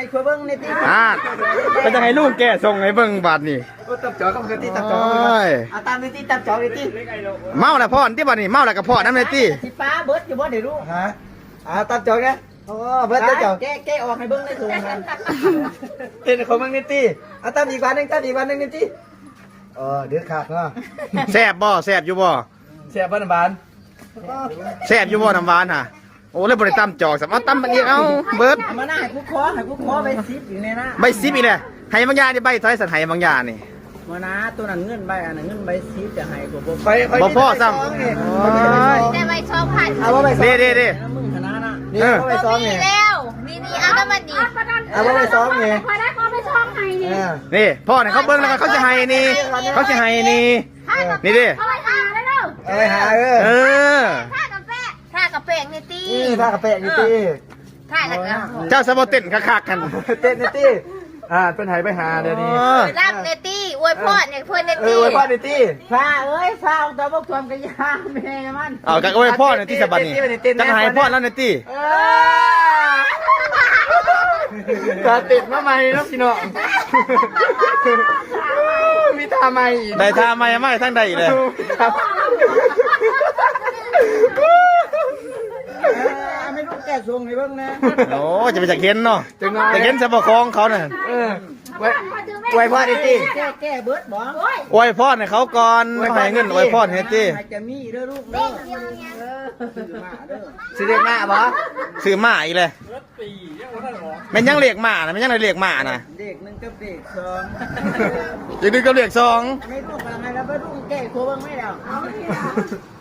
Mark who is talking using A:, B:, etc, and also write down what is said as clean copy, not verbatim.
A: คุยเบิ้งในที่
B: ก็จะให้ลูกแกส่งให้เบิ่งบาดนี่
A: ตับจ่อกับกะทิตับจ่อตามในที่ตับจ่อในที่
B: เมาแล้วพ่อที่บาดนี่เมาแล้วก็พ่อน้ำในที่
A: สิป้าเบิร์ดอยู่บ่เดี๋ยวรู้ฮะตับจ่อไงโอ้เบิร์ดตับจ่อแกออกให้เบิ้งในถุงกันเต้นของมึงในที่ตามอีกวันนึงในที่เดือดขาดเนาะ
B: แซ่บบ่แซ่บอยู่บ่
A: แซ่บน้ำหวาน
B: แซ่บอยู่บ่น้ำหวานฮะโอ้เลยบริตั้มจอกสามารถตั้มมันอีกเอาเบิร์ด
A: มาหน้าให้กูขอใบซิปอยู่ในหน้า
B: ใบซิปอีกเลยให้บางอย่างนี่ใบถอยสันให้บางอย่างนี่
A: มาหน้าตัวนั้นเงินใบอันนั้นเงินใบซิปจะให้กู
B: บ่พ่อซ้ำ
C: แต่ใบช่องผ่าน
B: เด้
A: มึงชนะนะ
C: นี่ใบซ้อมไงแล้วมีเอาน้ำมันดี
A: เอาใบซ้อมไง
C: พอได้ขอใบช่องให้
B: นี่พ่อเนี่ยเขาเบิ้งแล้วเขาจะให้นี่เขาจะให้นี่นี่ดิ
C: เขาไปหาได้เด้อ
A: ไปหา
C: ท่ากาแฟนี่ตี
A: ท่ากาแฟนี่ตี
C: ท่าแล้วก็
B: เจ้าสมบูรณ์เต้นคักๆกัน
A: เต้นนี่ตีเป็นไหไปหาเดี๋ยวนี้
C: รับเนตี้อวยพรเนี่ยเพื่อนเนตี้
A: อวยพรเนตี้ฟ้าฟ้าเอาตัวพวกทวมกันยาแม่มัน
B: เอากันอวยพรเนตี้สบัดนี่จะให้พรแล้วเนตี้
A: จะติดมาใหม่น้องพี่น้องมีท่าใหม่
B: ได้ท่าใหม่ไม่ทั้งใดเลย
A: ไม่รู้แก่ทรงให้เบิ่งนะ
B: โอ้จะไปจากเห็นเนาะจะเห็นสะบกคองเขาเนี่ย
A: ไว้พ่อดิตี้แก่เบิดบ่
B: อวยพรให้เขาก่อนให้เงินอวยพรให้ตี้
A: จะมีเด้อลูกเด้อซื้อเด็กมาบ่
B: ซื้อหมาอีกเลยมันยังเรียกหมานะมันยังเรียกหมานะ
A: เด็กนึงกับเด็กสอง
B: อีกนึงกับเรียกสอง
A: ไม่รู้อะไรแล้วไม่รู้แก่โคบังไม่แล้ว